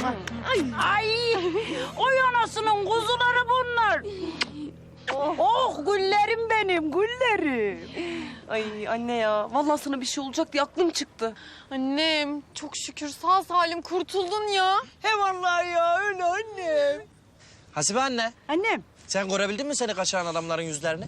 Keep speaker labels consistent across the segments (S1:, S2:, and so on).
S1: Ay, oy anasının kuzuları bunlar. Oh güllerim benim, güllerim.
S2: Ay anne ya, vallahi sana bir şey olacak diye aklım çıktı.
S3: Annem çok şükür sağ salim kurtuldun ya.
S1: He vallahi ya, öyle annem.
S4: Hasibe anne,
S1: Annem.
S4: sen görebildin mi seni kaçıran adamların yüzlerini?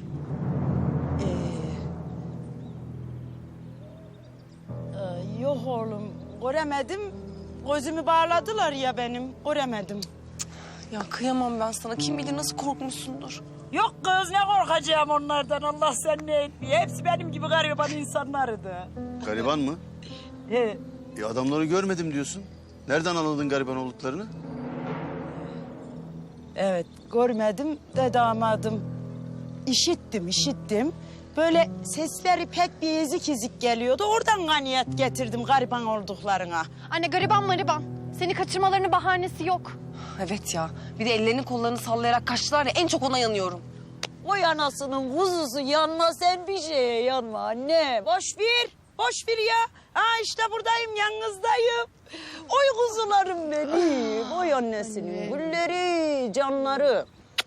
S1: Yok oğlum, göremedim. Gözümü bağladılar ya benim, göremedim.
S2: Ya kıyamam ben sana. Kim bilir nasıl korkmuşsundur.
S1: Yok kız, ne korkacağım onlardan, Allah sen ne etmiyor. Hepsi benim gibi gariban insanlardı.
S5: Gariban mı?
S1: He.
S5: Adamları görmedim diyorsun. Nereden anladın gariban olduklarını?
S1: Evet, görmedim de damadım. İşittim. Böyle sesleri pek bir ezik geliyordu. Oradan kaniyet getirdim gariban olduklarına.
S3: Anne gariban mariban. Seni kaçırmalarının bahanesi yok.
S2: Evet ya. Bir de ellerini kollarını sallayarak kaçtılar ya, en çok ona yanıyorum.
S1: Oy anasının kuzusu, yanma sen bir şeye yanma anne. Boş ver ya. Ha işte buradayım, yalnızdayım. Oy kuzularım benim. Oy annesinin gülleri, canları.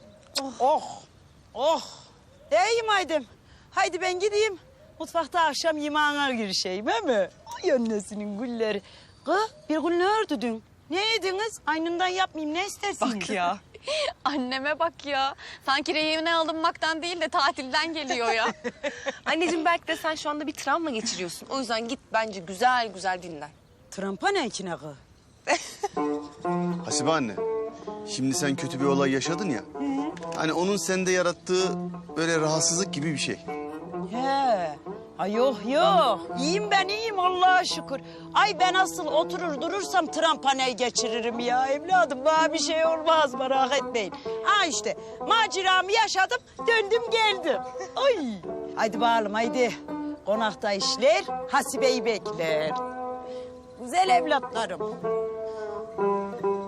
S1: Oh. İyiyim haydim. Haydi ben gideyim. Mutfakta akşam yemeğine girişeyim, he mi? Oy annesinin gülleri. Kız bir gün ne ördün? Ne yediniz? Aynından yapmayayım, ne istersiniz?
S2: Bak ya.
S3: Anneme bak ya. Sanki rehine alınmaktan değil de tatilden geliyor ya.
S2: Anneciğim belki de sen şu anda bir travma geçiriyorsun. O yüzden git bence güzel güzel dinlen.
S1: Trampa ne ikine kız?
S5: Hasibe anne, şimdi sen kötü bir olay yaşadın ya. Hani onun sende yarattığı böyle rahatsızlık gibi bir şey.
S1: He. Ay yok. İyiyim ben, iyiyim Allah'a şükür. Ay ben asıl oturur durursam trampanayı geçiririm ya evladım. Bana bir şey olmaz, merak etmeyin. Ha işte maceramı yaşadım, döndüm geldim. Ay. Haydi bakalım haydi. Konakta işler, Hasibe'yi bekler. Güzel evlatlarım.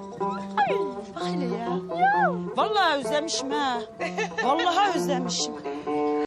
S1: Ay bak hele ya. Vallahi özlemişim ha. Vallahi özlemişim.